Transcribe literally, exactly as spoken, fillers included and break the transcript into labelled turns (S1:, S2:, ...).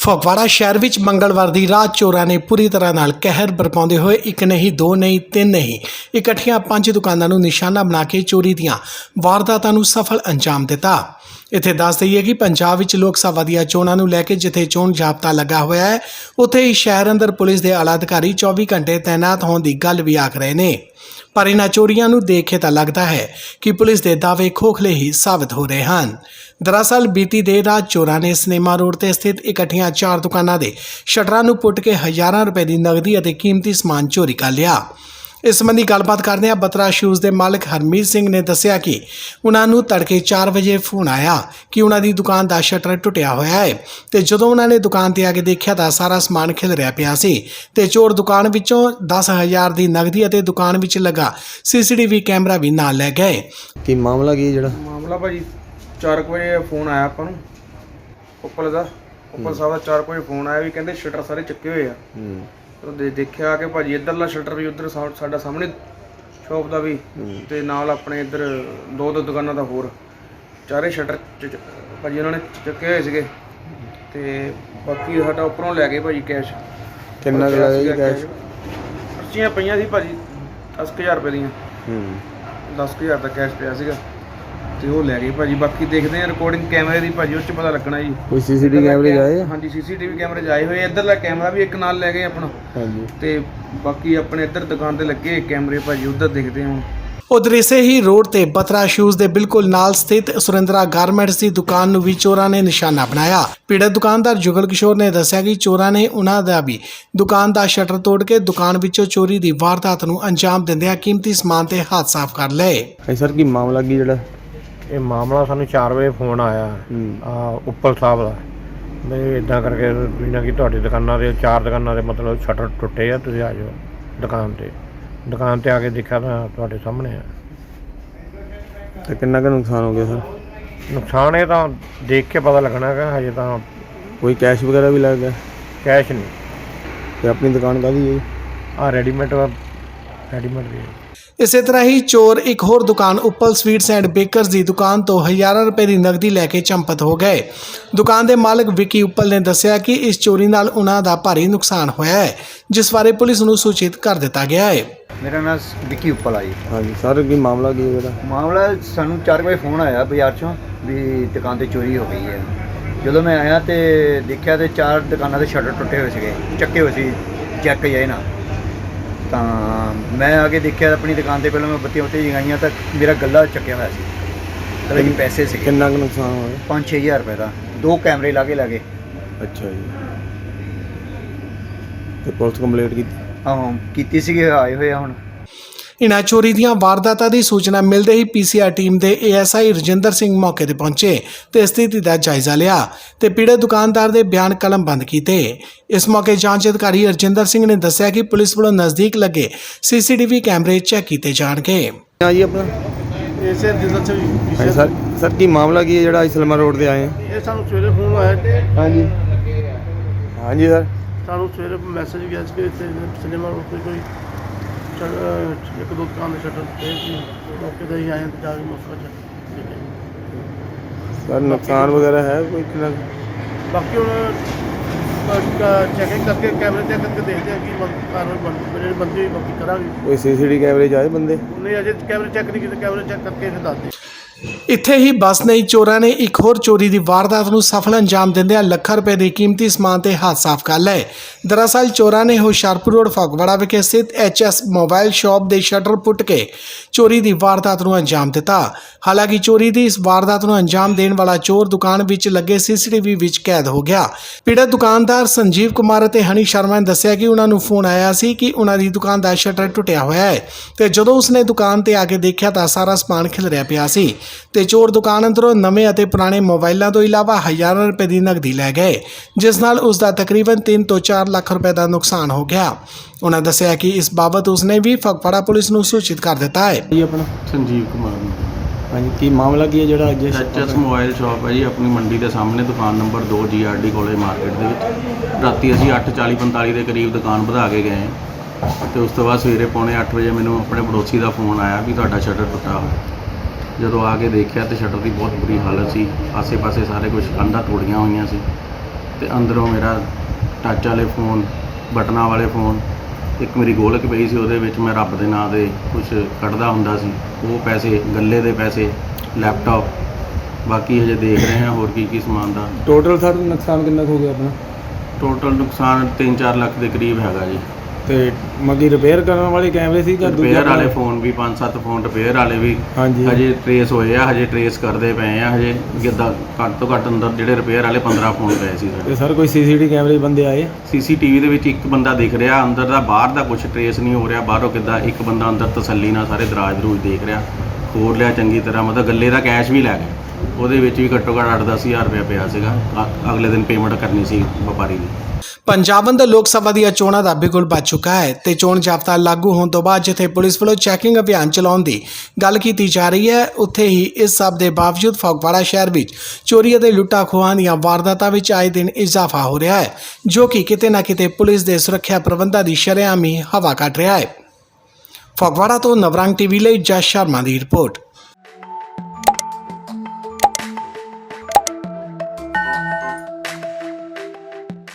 S1: ਫਗਵਾੜਾ ਸ਼ਹਿਰ ਵਿੱਚ ਮੰਗਲਵਾਰ ਦੀ ਰਾਤ ਚੋਰਾਂ ਨੇ ਪੂਰੀ ਤਰ੍ਹਾਂ ਨਾਲ ਕਹਿਰ ਬਰਪਾਉਂਦੇ ਹੋਏ ਇੱਕ ਨਹੀਂ ਦੋ ਨਹੀਂ ਤਿੰਨ ਨਹੀਂ ਇਕੱਠੀਆਂ ਪੰਜ ਦੁਕਾਨਾਂ ਨੂੰ ਨਿਸ਼ਾਨਾ ਬਣਾ ਕੇ ਚੋਰੀ ਦੀਆਂ ਵਾਰਦਾਤਾਂ ਨੂੰ ਸਫਲ ਅੰਜਾਮ ਦਿੱਤਾ। ਇੱਥੇ ਦੱਸ ਦਈਏ ਕਿ ਪੰਜਾਬ ਵਿੱਚ ਲੋਕ ਸਭਾ ਦੀਆਂ ਚੋਣਾਂ ਨੂੰ ਲੈ ਕੇ ਜਿੱਥੇ ਚੋਣ ਜਾਬਤਾ ਲੱਗਾ ਹੋਇਆ ਹੈ, ਉੱਥੇ ਹੀ ਸ਼ਹਿਰ ਅੰਦਰ ਪੁਲਿਸ ਦੇ ਆਲਾ ਅਧਿਕਾਰੀ ਚੌਵੀ ਘੰਟੇ ਤੈਨਾਤ ਹੋਣ ਦੀ ਗੱਲ ਵੀ ਆਖ ਰਹੇ ਨੇ। ਪਰ ਇਹਨਾਂ ਚੋਰੀਆਂ ਨੂੰ ਦੇਖ ਕੇ ਤਾਂ ਲੱਗਦਾ ਹੈ ਕਿ ਪੁਲਿਸ ਦੇ ਦਾਅਵੇ ਖੋਖਲੇ ਹੀ ਸਾਬਤ ਹੋ ਰਹੇ ਹਨ। ਦਰਅਸਲ ਬੀਤੀ ਦੇਰ ਰਾਤ ਚੋਰਾਂ ਨੇ ਸਿਨੇਮਾ ਰੋਡ ਤੇ ਸਥਿਤ ਇਕੱਠੀਆਂ ਚਾਰ ਦੁਕਾਨਾਂ ਦੇ ਸ਼ਟਰਾਂ ਨੂੰ ਪੁੱਟ ਕੇ ਹਜ਼ਾਰਾਂ ਰੁਪਏ ਦੀ ਨਗਦੀ ਅਤੇ ਕੀਮਤੀ ਸਮਾਨ ਚੋਰੀ ਕਰ ਲਿਆ। ਇਸ ਸੰਬੰਧੀ ਗੱਲਬਾਤ ਕਰਦਿਆਂ ਬਤਰਾ ਸ਼ੂਜ਼ ਦੇ ਮਾਲਕ ਹਰਮੀਤ ਸਿੰਘ ਨੇ ਦੱਸਿਆ ਕਿ ਉਹਨਾਂ ਨੂੰ ਤੜਕੇ ਚਾਰ ਵਜੇ ਫੋਨ ਆਇਆ ਕਿ ਉਹਨਾਂ ਦੀ ਦੁਕਾਨ ਦਾ ਸ਼ਟਰ ਟੁੱਟਿਆ ਹੋਇਆ ਹੈ ਤੇ ਜਦੋਂ ਉਹਨਾਂ ਨੇ ਦੁਕਾਨ ਤੇ ਆ ਕੇ ਦੇਖਿਆ ਤਾਂ ਸਾਰਾ ਸਮਾਨ ਖਿਲ ਰਿਹਾ ਪਿਆ ਸੀ ਤੇ ਚੋਰ ਦੁਕਾਨ ਵਿੱਚੋਂ ਦਸ ਹਜ਼ਾਰ ਦੀ ਨਗਦੀ ਅਤੇ ਦੁਕਾਨ ਵਿੱਚ ਲੱਗਾ ਸੀਸੀਟੀਵੀ ਕੈਮਰਾ ਵੀ ਨਾਲ ਲੈ ਗਏ।
S2: ਕੀ ਮਾਮਲਾ ਕੀ ਜਿਹੜਾ
S3: ਮਾਮਲਾ ਭਾਜੀ ਚਾਰ ਵਜੇ ਫੋਨ ਆਇਆ ਆਪਾਂ ਨੂੰ ਉੱਪਰ ਦਾ ਉੱਪਰ ਸਾਹਿਬ ਦਾ ਚਾਰ ਵਜੇ ਫੋਨ ਆਇਆ ਵੀ ਕਹਿੰਦੇ ਸ਼ਟਰ ਸਾਰੇ ਚੱਕੇ ਹੋਏ ਆ।
S2: ਹੂੰ
S3: ਉਹ ਦੇ ਦੇਖਿਆ ਕਿ ਭਾਜੀ ਇੱਧਰਲਾ ਸ਼ਟਰ ਵੀ ਉੱਧਰ ਸਾ- ਸਾਡਾ ਸਾਹਮਣੇ ਸ਼ੌਪ ਦਾ ਵੀ ਤੇ ਨਾਲ ਆਪਣੇ ਇੱਧਰ ਦੋ ਦੋ ਦੁਕਾਨਾਂ ਦਾ ਹੋਰ ਚਾਰੇ ਸ਼ਟਰ ਚ- ਚ- ਭਾਜੀ ਉਹਨਾਂ ਨੇ ਚੱਕੇ ਹੋਏ ਸੀਗੇ ਤੇ ਬਾਕੀ ਸਾਡਾ ਉੱਪਰੋਂ ਲੈ ਗਏ ਭਾਜੀ ਕੈਸ਼।
S2: ਕਿੰਨਾ ਕੁ ਲੱਗਾ ਜੀ ਕੈਸ਼?
S3: ਪਰਚੀਆਂ ਪਈਆਂ ਸੀ ਭਾਜੀ ਦਸ ਕੁ ਹਜ਼ਾਰ ਰੁਪਏ ਦੀਆਂ।
S2: ਹੂੰ
S3: ਦਸ ਕੁ ਹਜ਼ਾਰ ਦਾ ਕੈਸ਼ ਪਿਆ ਸੀਗਾ ਤੇ ਉਹ ਲੈ ਗਏ ਭਾਜੀ। ਬਾਕੀ ਦੇਖਦੇ ਆ ਰਿਕਾਰਡਿੰਗ ਕੈਮਰੇ ਦੀ ਭਾਜੀ, ਉਸ 'ਚ ਪਤਾ ਲੱਗਣਾ ਜੀ।
S2: ਕੋਈ ਸੀਸੀਟੀਵੀ ਕੈਮਰੇ ਆਏ?
S3: ਹਾਂਜੀ ਸੀਸੀਟੀਵੀ ਕੈਮਰੇ ਜਾਏ ਹੋਏ। ਇੱਧਰਲਾ ਕੈਮਰਾ ਵੀ ਇੱਕ ਨਾਲ ਲੈ ਗਏ ਆਪਣਾ
S2: ਹਾਂਜੀ
S3: ਤੇ ਬਾਕੀ ਆਪਣੇ ਇੱਧਰ ਦੁਕਾਨ ਤੇ ਲੱਗੇ ਕੈਮਰੇ ਭਾਜੀ, ਉੱਧਰ ਦੇਖਦੇ ਹਾਂ।
S1: ਉਧਰ ਇਸੇ ਹੀ ਰੋਡ ਤੇ ਬਤਰਾ ਸ਼ੂਜ਼ ਦੇ ਬਿਲਕੁਲ ਨਾਲ ਸਥਿਤ ਸੁਰਿੰਦਰਾ ਗਾਰਮੈਂਟਸ ਦੀ ਦੁਕਾਨ ਨੂੰ ਵੀ ਚੋਰਾਂ ਨੇ ਨਿਸ਼ਾਨਾ ਬਣਾਇਆ। ਪੀੜਤ ਦੁਕਾਨਦਾਰ ਜੁਗਲ ਕਿਸ਼ੋਰ ਨੇ ਦੱਸਿਆ ਕਿ ਚੋਰਾਂ ਨੇ ਉਹਨਾਂ ਦਾ ਵੀ ਦੁਕਾਨ ਦਾ ਸ਼ਟਰ ਤੋੜ ਕੇ ਦੁਕਾਨ ਵਿੱਚੋਂ ਚੋਰੀ ਦੀ ਵਾਰਦਾਤ ਨੂੰ ਅੰਜਾਮ ਦਿੰਦਿਆਂ ਕੀਮਤੀ ਸਮਾਨ ਤੇ ਹੱਥ ਸਾਫ਼ ਕਰ ਲਏ।
S2: ਭਾਈ ਸਰ ਕੀ ਮਾਮਲਾ ਕੀ ਜਿਹੜਾ
S4: ਇਹ ਮਾਮਲਾ ਸਾਨੂੰ ਚਾਰ ਵਜੇ ਫੋਨ ਆਇਆ ਆ ਉੱਪਲ ਸਾਹਿਬ ਦਾ ਵੀ ਇਦਾਂ ਕਰਕੇ ਇਹਨਾਂ ਕਿ ਤੁਹਾਡੀ ਦੁਕਾਨਾਂ ਦੇ ਚਾਰ ਦੁਕਾਨਾਂ ਦੇ ਮਤਲਬ ਸ਼ਟਰ ਟੁੱਟੇ ਆ, ਤੁਸੀਂ ਆ ਜਾਓ ਦੁਕਾਨ ਤੇ। ਦੁਕਾਨ ਤੇ ਆ ਕੇ ਦੇਖਿਆ ਤਾਂ ਤੁਹਾਡੇ ਸਾਹਮਣੇ ਆ।
S2: ਤੇ ਕਿੰਨਾ ਕੁ ਨੁਕਸਾਨ ਹੋ ਗਿਆ ਸਰ?
S4: ਨੁਕਸਾਨ ਇਹ ਤਾਂ ਦੇਖ ਕੇ ਪਤਾ ਲੱਗਣਾ ਹੈਗਾ, ਹਜੇ ਤਾਂ
S2: ਕੋਈ ਕੈਸ਼ ਵਗੈਰਾ ਵੀ ਲੱਗ ਗਿਆ?
S4: ਕੈਸ਼ ਨਹੀਂ।
S2: ਤੇ ਆਪਣੀ ਦੁਕਾਨ ਕਾਹਦੀ ਹੈ?
S4: ਆ ਰੈਡੀਮੇਡ ਰੈਡੀਮੇਡ ਵੀ ਹੈ।
S1: ਇਸੇ ਤਰ੍ਹਾਂ ਹੀ ਚੋਰ ਇੱਕ ਹੋਰ ਦੁਕਾਨ ਉੱਪਲ ਸਵੀਟਸ ਐਂਡ ਬੇਕਰਸ ਦੀ ਦੁਕਾਨ ਤੋਂ ਹਜ਼ਾਰਾਂ ਰੁਪਏ ਦੀ ਨਗਦੀ ਲੈ ਕੇ ਚੰਪਤ ਹੋ ਗਏ। ਦੁਕਾਨ ਦੇ ਮਾਲਕ ਵਿੱਕੀ ਉੱਪਲ ਨੇ ਦੱਸਿਆ ਕਿ ਇਸ ਚੋਰੀ ਨਾਲ ਉਹਨਾਂ ਦਾ ਭਾਰੀ ਨੁਕਸਾਨ ਹੋਇਆ ਹੈ, ਜਿਸ ਬਾਰੇ ਪੁਲਿਸ ਨੂੰ ਸੂਚਿਤ ਕਰ ਦਿੱਤਾ ਗਿਆ ਹੈ।
S5: ਮੇਰਾ ਨਾਮ ਵਿੱਕੀ ਉੱਪਲ ਆ ਜੀ।
S2: ਹਾਂਜੀ ਸਰ ਕੀ ਮਾਮਲਾ ਕੀ ਹੈ ਜਿਹੜਾ?
S5: ਮਾਮਲਾ ਸਾਨੂੰ ਚਾਰ ਵਜੇ ਫੋਨ ਆਇਆ ਬਾਜ਼ਾਰ 'ਚੋਂ ਵੀ ਦੁਕਾਨ ਤੇ ਚੋਰੀ ਹੋ ਗਈ ਹੈ। ਜਦੋਂ ਮੈਂ ਆਇਆ ਤੇ ਦੇਖਿਆ ਤੇ ਚਾਰ ਦੁਕਾਨਾਂ ਦੇ ਸ਼ਟਰ ਟੁੱਟੇ ਹੋਏ ਸੀਗੇ, ਚੱਕੇ ਹੋਏ ਸੀ ਚੈੱਕ ਜਾਏ ਨਾ। ਤਾਂ ਮੈਂ ਆ ਕੇ ਦੇਖਿਆ ਆਪਣੀ ਦੁਕਾਨ ਤੇ, ਪਹਿਲਾਂ ਮੈਂ ਬੱਤੀਆਂ ਉੱਤੇ ਜਗਾਈਆਂ ਤਾਂ ਮੇਰਾ ਗੱਲਾ ਚੱਕਿਆ ਹੋਇਆ ਸੀ ਤੇ ਵਿੱਚ ਪੈਸੇ ਸੀਗੇ।
S2: ਕਿੰਨਾ ਕੁ ਨੁਕਸਾਨ ਹੋਇਆ?
S5: ਪੰਜ ਛੇ ਹਜ਼ਾਰ ਰੁਪਏ ਦਾ। ਦੋ ਕੈਮਰੇ ਲਾ ਕੇ ਲੈ ਗਏ।
S2: ਅੱਛਾ ਜੀ। ਤੇ ਪੁਲਿਸ ਕੰਪਲੇਂਟ ਕੀਤੀ?
S5: ਹਾਂ ਕੀਤੀ ਸੀਗੀ, ਆਏ ਹੋਏ ਆ ਹੁਣ।
S1: ਇਨ੍ਹਾਂ ਚੋਰੀ ਦੀਆਂ ਵਾਰਦਾਤਾਂ ਦੀ ਸੂਚਨਾ ਮਿਲਦੇ ਹੀ ਪੀਸੀਆਰ ਟੀਮ ਦੇ ਏਐਸਆਈ ਰਜਿੰਦਰ ਸਿੰਘ ਮੌਕੇ ਤੇ ਪਹੁੰਚੇ ਤੇ ਸਥਿਤੀ ਦਾ ਜਾਇਜ਼ਾ ਲਿਆ ਤੇ ਪੀੜਤ ਦੁਕਾਨਦਾਰ ਦੇ ਬਿਆਨ ਕਲਮਬੰਦ ਕੀਤੇ। ਇਸ ਮੌਕੇ ਜਾਂਚ ਅਧਿਕਾਰੀ ਰਜਿੰਦਰ ਸਿੰਘ ਨੇ ਦੱਸਿਆ ਕਿ ਪੁਲਿਸ ਵੱਲੋਂ ਨਜ਼ਦੀਕ ਲੱਗੇ ਸੀਸੀਟੀਵੀ ਕੈਮਰੇ ਚੈੱਕ ਕੀਤੇ ਜਾਣਗੇ।
S2: ਹਾਂ ਜੀ ਆਪਣਾ
S3: ਇਸੇ ਦਿਨ ਚ
S2: ਹਾਂਜੀ ਸਰ ਸਰ ਕੀ ਮਾਮਲਾ ਕੀ ਹੈ ਜਿਹੜਾ ਇਸਲਮਾ ਰੋਡ ਤੇ ਆਏ ਆ?
S3: ਇਹ ਸਾਨੂੰ ਸਵੇਰੇ ਫੋਨ ਆਇਆ।
S2: ਹਾਂਜੀ ਹਾਂਜੀ ਸਰ
S3: ਸਾਨੂੰ ਸਵੇਰੇ ਮੈਸੇਜ ਗਿਆ ਸੀ ਕਿ ਇੱਥੇ ਸਿਨੇਮਾ ਰੋਡ ਤੇ ਕੋਈ ਇੱਕ ਦੋ ਦੁਕਾਨ ਦੇ ਸ਼ਟਰ ਤੇ ਸੀ। ਮੌਕੇ ਤੇ ਹੀ ਆਏ ਤੇ ਜਾ ਕੇ ਮਸਲਾ ਚੱਕ।
S2: ਸਰ ਨੁਕਸਾਨ ਵਗੈਰਾ ਹੈ ਕੋਈ ਕਿੰਨਾ?
S3: ਬਾਕੀ ਹੁਣ ਚੈਕਿੰਗ ਕਰਕੇ ਕੈਮਰੇ ਚੈੱਕ ਕਰਕੇ ਦੇਖਦੇ ਆ ਕਿ ਕਾਰਵਾਈ ਬਣ ਜਿਹੜੀ ਬੰਦੀ ਹੋਈ ਬਾਕੀ ਕਰਾਂਗੇ।
S2: ਕੋਈ ਸੀਸੀਟੀਵੀ ਕੈਮਰੇ 'ਚ ਆਏ ਬੰਦੇ?
S3: ਨਹੀਂ ਅਜੇ ਕੈਮਰੇ ਚੈੱਕ ਨਹੀਂ ਕੀਤੇ, ਕੈਮਰੇ ਚੈੱਕ ਕਰਕੇ ਫਿਰ ਦੱਸਦੇ।
S1: ਇੱਥੇ ਹੀ ਬਸ ਨਹੀਂ, ਚੋਰਾਂ ਨੇ ਇੱਕ ਹੋਰ ਚੋਰੀ ਦੀ ਵਾਰਦਾਤ ਨੂੰ ਸਫਲ ਅੰਜਾਮ ਦਿੰਦਿਆਂ ਲੱਖਾਂ ਰੁਪਏ ਦੇ ਕੀਮਤੀ ਸਮਾਨ ਤੇ ਹੱਥ ਸਾਫ਼ ਕਰ ਲਏ। ਦਰਅਸਲ ਚੋਰਾਂ ਨੇ ਹੁਸ਼ਿਆਰਪੁਰ ਰੋਡ ਫਗਵਾੜਾ ਵਿਖੇ ਸਥਿਤ ਐਚਐਸ ਮੋਬਾਈਲ ਸ਼ਾਪ ਦੇ ਸ਼ਟਰ ਪੁੱਟ ਕੇ ਚੋਰੀ ਦੀ ਵਾਰਦਾਤ ਨੂੰ ਅੰਜਾਮ ਦਿੱਤਾ। ਹਾਲਾਂਕਿ ਚੋਰੀ ਦੀ ਇਸ ਵਾਰਦਾਤ ਨੂੰ ਅੰਜਾਮ ਦੇਣ ਵਾਲਾ ਚੋਰ ਦੁਕਾਨ ਵਿੱਚ ਲੱਗੇ ਸੀਸੀਟੀਵੀ ਵਿੱਚ ਕੈਦ ਹੋ ਗਿਆ। ਪੀੜਤ ਦੁਕਾਨਦਾਰ ਸੰਜੀਵ ਕੁਮਾਰ ਅਤੇ ਹਨੀ ਸ਼ਰਮਾ ਨੇ ਦੱਸਿਆ ਕਿ ਉਹਨਾਂ ਨੂੰ ਫੋਨ ਆਇਆ ਸੀ ਕਿ ਉਹਨਾਂ ਦੀ ਦੁਕਾਨ ਦਾ ਸ਼ਟਰ ਟੁੱਟਿਆ ਹੋਇਆ ਹੈ ਤੇ ਜਦੋਂ ਉਸਨੇ ਦੁਕਾਨ ਤੇ ਆ ਕੇ ਦੇਖਿਆ ਤਾਂ ਸਾਰਾ ਸਮਾਨ ਖਿਲ ਰਿਹਾ ਪਿਆ ਸੀ ਤੇ ਚੋਰ ਦੁਕਾਨ ਅੰਦਰੋਂ ਨਵੇਂ ਅਤੇ ਪੁਰਾਣੇ ਮੋਬਾਈਲਾਂ ਤੋਂ ਇਲਾਵਾ ਹਜ਼ਾਰਾਂ ਰੁਪਏ ਦੀ ਨਗਦੀ ਲੈ ਗਏ, ਜਿਸ ਨਾਲ ਉਸ ਦਾ ਤਕਰੀਬਨ ਤਿੰਨ ਤੋਂ ਚਾਰ ਲੱਖ ਰੁਪਏ ਦਾ ਨੁਕਸਾਨ ਹੋ ਗਿਆ। ਉਹਨਾਂ ਦੱਸਿਆ ਕਿ ਇਸ ਬਾਬਤ ਉਸਨੇ ਵੀ ਫਗਵਾੜਾ ਪੁਲਿਸ ਨੂੰ ਸੂਚਿਤ ਕਰ ਦਿੱਤਾ ਹੈ।
S2: ਜੀ ਆਪਣਾ
S6: ਸੰਜੀਵ ਕੁਮਾਰ।
S2: ਹਾਂਜੀ ਕੀ ਮਾਮਲਾ ਕੀ ਹੈ ਜਿਹੜਾ ਅੱਜ?
S6: ਐਚਐਸ ਮੋਬਾਈਲ ਸ਼ਾਪ ਹੈ ਜੀ, ਆਪਣੀ ਮੰਡੀ ਦੇ ਸਾਹਮਣੇ, ਦੁਕਾਨ ਨੰਬਰ ਦੋ ਜੀਆਰਡੀ ਕੋਲੇ ਮਾਰਕੀਟ ਦੇ ਵਿੱਚ। ਰਾਤੀ ਅਸੀਂ ਅੱਠ ਚਾਲੀ ਪੰਤਾਲੀ ਦੇ ਕਰੀਬ ਦੁਕਾਨ ਵਧਾ ਕੇ ਗਏ ਤੇ ਉਸ ਤੋਂ ਬਾਅਦ ਸਵੇਰੇ ਪੌਣੇ ਅੱਠ ਵਜੇ ਮੈਨੂੰ ਆਪਣੇ ਪੜੋਸੀ ਦਾ ਫੋਨ ਆਇਆ ਵੀ ਤੁਹਾਡਾ ਸ਼ਟਰ ਟੁੱਟਾ ਹੋਇਆ। ਜਦੋਂ ਆ ਕੇ ਦੇਖਿਆ ਤੇ ਸ਼ਟਰ ਦੀ ਬਹੁਤ ਬੁਰੀ ਹਾਲਤ ਸੀ, ਆਸੇ ਪਾਸੇ ਸਾਰੇ ਕੁਝ ਕੰਧਾਂ ਤੋੜੀਆਂ ਹੋਈਆਂ ਸੀ ਤੇ ਅੰਦਰੋਂ ਮੇਰਾ ਟੱਚ ਵਾਲੇ ਫੋਨ, ਬਟਨਾਂ ਵਾਲੇ ਫੋਨ, ਇੱਕ ਮੇਰੀ ਗੋਲਕ ਪਈ ਸੀ ਉਹਦੇ ਵਿੱਚ ਮੈਂ ਰੱਬ ਦੇ ਨਾਂ ਦੇ ਕੁਝ ਕੱਢਦਾ ਹੁੰਦਾ ਸੀ, ਉਹ ਪੈਸੇ, ਗੱਲੇ ਦੇ ਪੈਸੇ, ਲੈਪਟਾਪ, ਬਾਕੀ ਹਜੇ ਦੇਖ ਰਹੇ ਹਾਂ ਹੋਰ ਕੀ ਕੀ ਸਮਾਨ ਦਾ।
S2: ਟੋਟਲ ਸਰ ਨੁਕਸਾਨ ਕਿੰਨਾ ਕੁ ਹੋ ਗਿਆ ਆਪਣਾ?
S6: ਟੋਟਲ ਨੁਕਸਾਨ ਤਿੰਨ ਚਾਰ ਲੱਖ ਦੇ ਕਰੀਬ ਹੈਗਾ ਜੀ।
S2: ਤੇ ਮਗੀ ਰਿਪੇਅਰ ਕਰਨ ਵਾਲੇ ਕੈਮਰੇ ਸੀ ਜਾਂ
S6: ਰਿਪੇਅਰ ਵਾਲੇ ਫੋਨ ਵੀ ਪੰਜ ਸੱਤ ਫੋਨ ਰਿਪੇਅਰ ਵਾਲੇ ਵੀ
S2: ਹਾਂਜੀ
S6: ਹਜੇ ਟਰੇਸ ਹੋਏ ਆ, ਹਜੇ ਟਰੇਸ ਕਰਦੇ ਪਏ ਆ। ਹਜੇ ਜਿੱਦਾਂ ਘੱਟ ਤੋਂ ਘੱਟ ਅੰਦਰ ਜਿਹੜੇ ਰਿਪੇਅਰ ਵਾਲੇ ਪੰਦਰਾਂ ਫੋਨ ਪਏ ਸੀ ਸਾਡੇ।
S2: ਤੇ ਸਰ ਕੋਈ ਸੀਸੀਟੀਵੀ ਕੈਮਰੇ ਬੰਦੇ ਆਏ?
S6: ਸੀਸੀਟੀਵੀ ਦੇ ਵਿੱਚ ਇੱਕ ਬੰਦਾ ਦਿਖ ਰਿਹਾ, ਅੰਦਰ ਦਾ ਬਾਹਰ ਦਾ ਕੁਝ ਟਰੇਸ ਨਹੀਂ ਹੋ ਰਿਹਾ। ਬਾਹਰੋਂ ਕਿੱਦਾਂ ਇੱਕ ਬੰਦਾ ਅੰਦਰ ਤਸੱਲੀ ਨਾਲ ਸਾਰੇ ਦਰਾਜ ਦਰੂਜ ਦੇਖ ਰਿਹਾ, ਖੋਲ ਲਿਆ ਚੰਗੀ ਤਰ੍ਹਾਂ, ਮਤਲਬ ਗੱਲੇ ਦਾ ਕੈਸ਼ ਵੀ ਲੈ ਗਏ। ਉਹਦੇ ਵਿੱਚ ਵੀ ਘੱਟੋ ਘੱਟ ਅੱਠ ਦਸ ਹਜ਼ਾਰ ਰੁਪਇਆ ਪਿਆ ਸੀਗਾ। ਅ- ਅਗਲੇ ਦਿਨ ਪੇਮੈਂਟ ਕਰਨੀ ਸੀ ਵਪਾਰੀ ਦੀ।
S1: ਪੰਜਾਬ ਅੰਦਰ ਲੋਕ ਸਭਾ ਦੀਆਂ ਚੋਣਾਂ ਦਾ ਬਿਗੁਲ ਵੱਜ ਚੁੱਕਾ ਹੈ ਤੇ ਚੋਣ ਜ਼ਾਬਤਾ ਲਾਗੂ ਹੋਣ ਤੋਂ ਬਾਅਦ ਜਿੱਥੇ ਪੁਲਿਸ ਵੱਲੋਂ ਚੈਕਿੰਗ ਅਭਿਆਨ ਚਲਾਉਣ ਦੀ ਗੱਲ ਕੀਤੀ ਜਾ ਰਹੀ ਹੈ, ਉੱਥੇ ਹੀ ਇਸ ਸਭ ਦੇ ਬਾਵਜੂਦ ਫਗਵਾੜਾ ਸ਼ਹਿਰ ਵਿੱਚ ਚੋਰੀ ਅਤੇ ਲੁੱਟਾਂ ਖੋਹਾਂ ਦੀਆਂ ਵਾਰਦਾਤਾਂ ਵਿੱਚ ਆਏ ਦਿਨ ਇਜ਼ਾਫਾ ਹੋ ਰਿਹਾ ਹੈ, ਜੋ ਕਿ ਕਿਤੇ ਨਾ ਕਿਤੇ ਪੁਲਿਸ ਦੇ ਸੁਰੱਖਿਆ ਪ੍ਰਬੰਧਾਂ ਦੀ ਸ਼ਰੇਆਮ ਹੀ ਹਵਾ ਕੱਢ ਰਿਹਾ ਹੈ। ਫਗਵਾੜਾ ਤੋਂ ਨਵਰੰਗ ਟੀਵੀ ਲਈ ਜਸ ਸ਼ਰਮਾ ਦੀ ਰਿਪੋਰਟ।